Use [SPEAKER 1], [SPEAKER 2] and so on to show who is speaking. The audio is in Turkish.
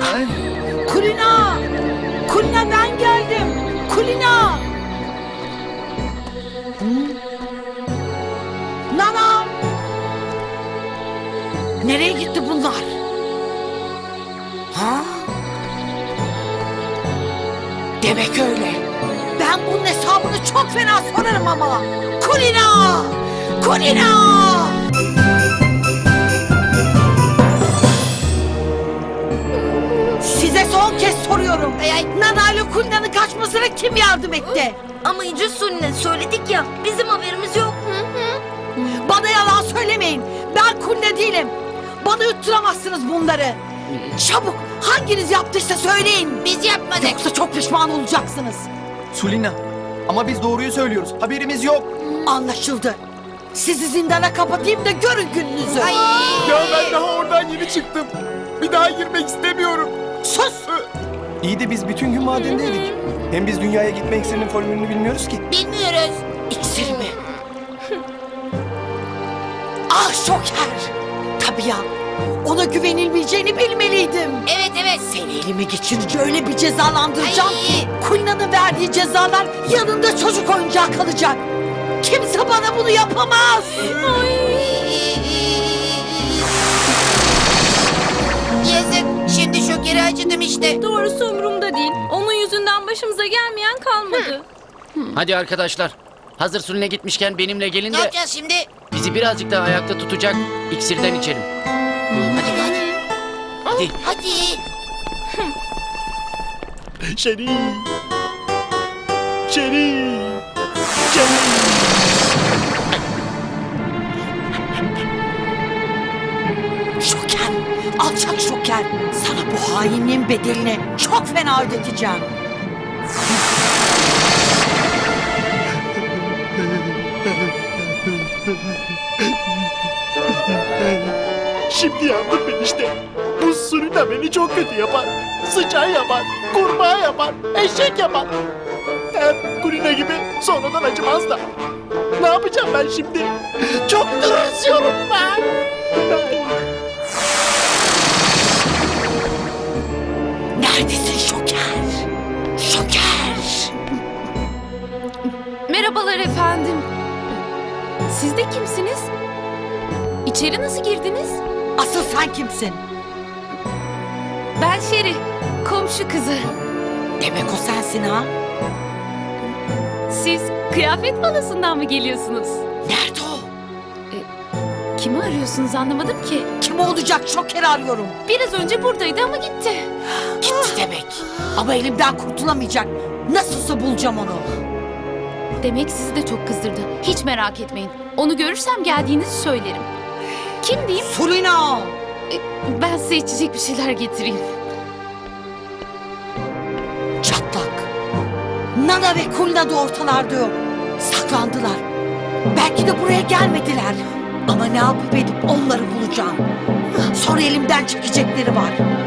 [SPEAKER 1] Kulina! Kulina ben geldim! Kulina! Nana! Nereye gitti bunlar? Ha? Demek öyle. Ben bunun hesabını çok fena sorarım ama. Kulina! Kulina! Size son kez soruyorum. Nana ile Kulina'nın kaçmasına kim yardım etti?
[SPEAKER 2] Ama İnci Sulina söyledik ya, bizim haberimiz yok.
[SPEAKER 1] Bana yalan söylemeyin. Ben Kulina değilim. Bana yutturamazsınız bunları. Çabuk hanginiz yaptıysa söyleyin. Biz yapmadık. Yoksa çok pişman olacaksınız.
[SPEAKER 3] Sulina, ama biz doğruyu söylüyoruz. Haberimiz yok.
[SPEAKER 1] Anlaşıldı. Sizi zindana kapatayım da görün gününüzü.
[SPEAKER 3] Ya ben daha oradan yeni çıktım. Bir daha girmek istemiyorum.
[SPEAKER 1] Sus!
[SPEAKER 3] İyi de biz bütün gün madendeydik. Hem biz dünyaya gitme iksirinin formülünü bilmiyoruz ki.
[SPEAKER 1] Bilmiyoruz. İksir mi? Ah Şoker! Tabii ya. Ona güvenilmeyeceğini bilmeliydim.
[SPEAKER 2] Evet.
[SPEAKER 1] Seni elime geçirince öyle bir cezalandıracağım ki Kulina'nın verdiği cezalar yanında çocuk oyuncağı kalacak. Kimse bana bunu yapamaz.
[SPEAKER 2] Yazık, şimdi Şoker'e acıdım işte.
[SPEAKER 4] Doğrusu umurumda değil. Onun yüzünden başımıza gelmeyen kalmadı.
[SPEAKER 5] Hadi arkadaşlar. Hazır Sulina gitmişken benimle gelin
[SPEAKER 2] Ne
[SPEAKER 5] de
[SPEAKER 2] yapacağız şimdi?
[SPEAKER 5] bizi birazcık daha ayakta tutacak iksirden içelim. Hadi.
[SPEAKER 2] Hadi.
[SPEAKER 3] Şerif.
[SPEAKER 1] Şoker, alçak Şoker. Sana bu hainliğin bedelini çok fena ödeteceğim.
[SPEAKER 6] Şimdi yandım ben işte. Bu Sulina beni çok kötü yapar. Sıçan yapar, kurbağa yapar, eşek yapar. Hem Kulina gibi sonradan acımaz da. Ne yapacağım ben şimdi? Çok tırsıyorum ben.
[SPEAKER 1] Neredesin Şoker? Şoker!
[SPEAKER 4] Merhabalar efendim. Siz de kimsiniz? İçeri nasıl girdiniz?
[SPEAKER 1] Asıl sen kimsin?
[SPEAKER 4] Ben Şeri, komşu kızı.
[SPEAKER 1] Demek o sensin ha?
[SPEAKER 4] Siz kıyafet balasından mı geliyorsunuz?
[SPEAKER 1] Nerede o?
[SPEAKER 4] Kimi arıyorsunuz anlamadım ki.
[SPEAKER 1] Kim olacak Şoker'i arıyorum.
[SPEAKER 4] Biraz önce buradaydı ama gitti.
[SPEAKER 1] Gitti demek. Ama elimden kurtulamayacak. Nasılsa bulacağım onu.
[SPEAKER 4] Demek sizi de çok kızdırdı. Hiç merak etmeyin. Onu görürsem geldiğinizi söylerim. Kim diyeyim?
[SPEAKER 1] Sulina!
[SPEAKER 4] Ben size içecek bir şeyler getireyim.
[SPEAKER 1] Çatlak. Nana ve Kulina da ortalarda yok. Saklandılar. Belki de buraya gelmediler. Ama ne yapıp edip onları bulacağım. Sonra elimden çekecekleri var.